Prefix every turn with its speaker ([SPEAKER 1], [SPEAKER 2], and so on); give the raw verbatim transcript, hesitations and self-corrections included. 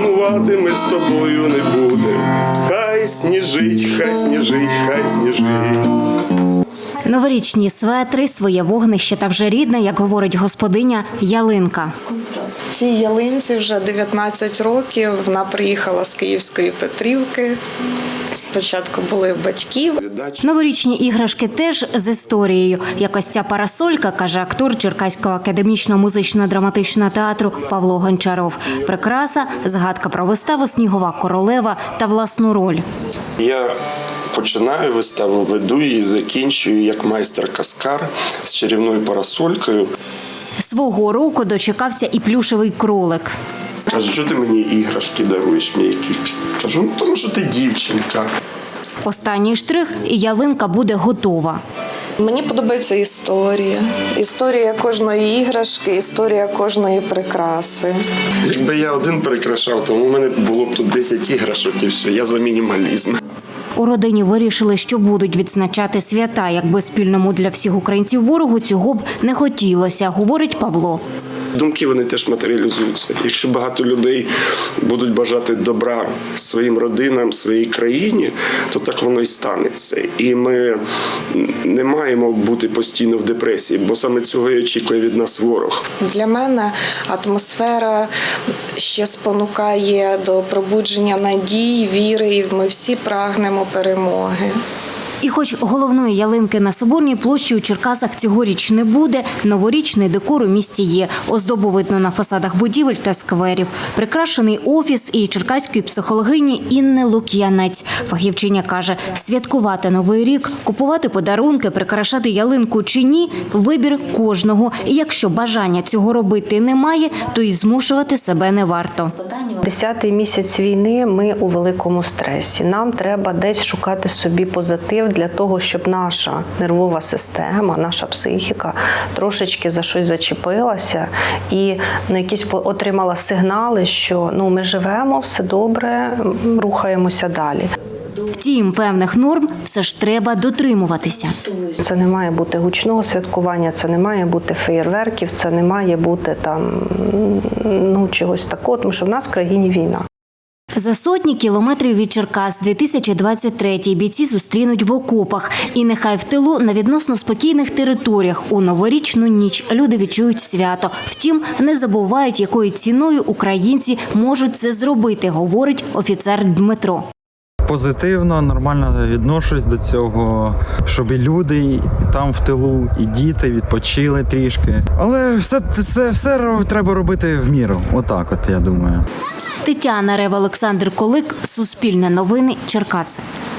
[SPEAKER 1] сумувати ми з тобою не будемо. Хай сніжить, хай сніжить, хай сніжить.
[SPEAKER 2] Новорічні светри, своє вогнище та вже рідна, як говорить господиня, ялинка.
[SPEAKER 3] Цій ялинці вже дев'ятнадцять років. Вона приїхала з Київської Петрівки. Спочатку були в батьків.
[SPEAKER 2] Новорічні іграшки теж з історією. Як ось ця парасолька, каже актор Черкаського академічного музично-драматичного театру Павло Гончаров. Прикраса – згадка про виставу «Снігова королева» та власну роль.
[SPEAKER 1] Я починаю виставу, веду її, закінчую як майстер-каскар з чарівною парасолькою.
[SPEAKER 2] Свого року дочекався і плюшевий кролик.
[SPEAKER 1] Каже, що ти мені іграшки даруєш м'які? Кажу, ну тому що ти дівчинка.
[SPEAKER 2] Останній штрих – і ялинка буде готова.
[SPEAKER 3] Мені подобається історія. Історія кожної іграшки, історія кожної прикраси.
[SPEAKER 1] Якби я один прикрашав, то у мене було б тут десять іграшок і все, я за мінімалізм.
[SPEAKER 2] У родині вирішили, що будуть відзначати свята. Якби спільному для всіх українців ворогу цього б не хотілося, говорить Павло.
[SPEAKER 1] Думки, вони теж матеріалізуються. Якщо багато людей будуть бажати добра своїм родинам, своїй країні, то так воно і станеться. І ми не маємо бути постійно в депресії, бо саме цього і очікує від нас ворог.
[SPEAKER 3] Для мене атмосфера ще спонукає до пробудження надій, віри, і ми всі прагнемо перемоги.
[SPEAKER 2] І хоч головної ялинки на Соборній площі у Черкасах цьогоріч не буде, новорічний декор у місті є. Оздобу видно на фасадах будівель та скверів. Прикрашений офіс і черкаської психологині Інни Лук'янець. Фахівчиня каже, святкувати Новий рік, купувати подарунки, прикрашати ялинку чи ні – вибір кожного. І якщо бажання цього робити немає, то і змушувати себе не варто.
[SPEAKER 4] Десятий місяць війни ми у великому стресі. Нам треба десь шукати собі позитив для того, щоб наша нервова система, наша психіка трошечки за щось зачепилася і ну, якісь отримала сигнали, що ну, ми живемо, все добре, рухаємося далі.
[SPEAKER 2] Втім, певних норм все ж треба дотримуватися.
[SPEAKER 4] Це не має бути гучного святкування, це не має бути феєрверків, це не має бути там ну, чогось такого, тому що в нас в країні війна.
[SPEAKER 2] За сотні кілометрів від Черкас дві тисячі двадцять третій бійці зустрінуть в окопах. І нехай в тилу на відносно спокійних територіях у новорічну ніч люди відчують свято. Втім, не забувають, якою ціною українці можуть це зробити, говорить офіцер Дмитро.
[SPEAKER 5] Позитивно, нормально відношусь до цього, щоб і люди там в тилу, і діти відпочили трішки. Але все це все треба робити в міру. Отак от, я думаю.
[SPEAKER 2] Тетяна Рева, Олександр Колик, Суспільне новини, Черкаси.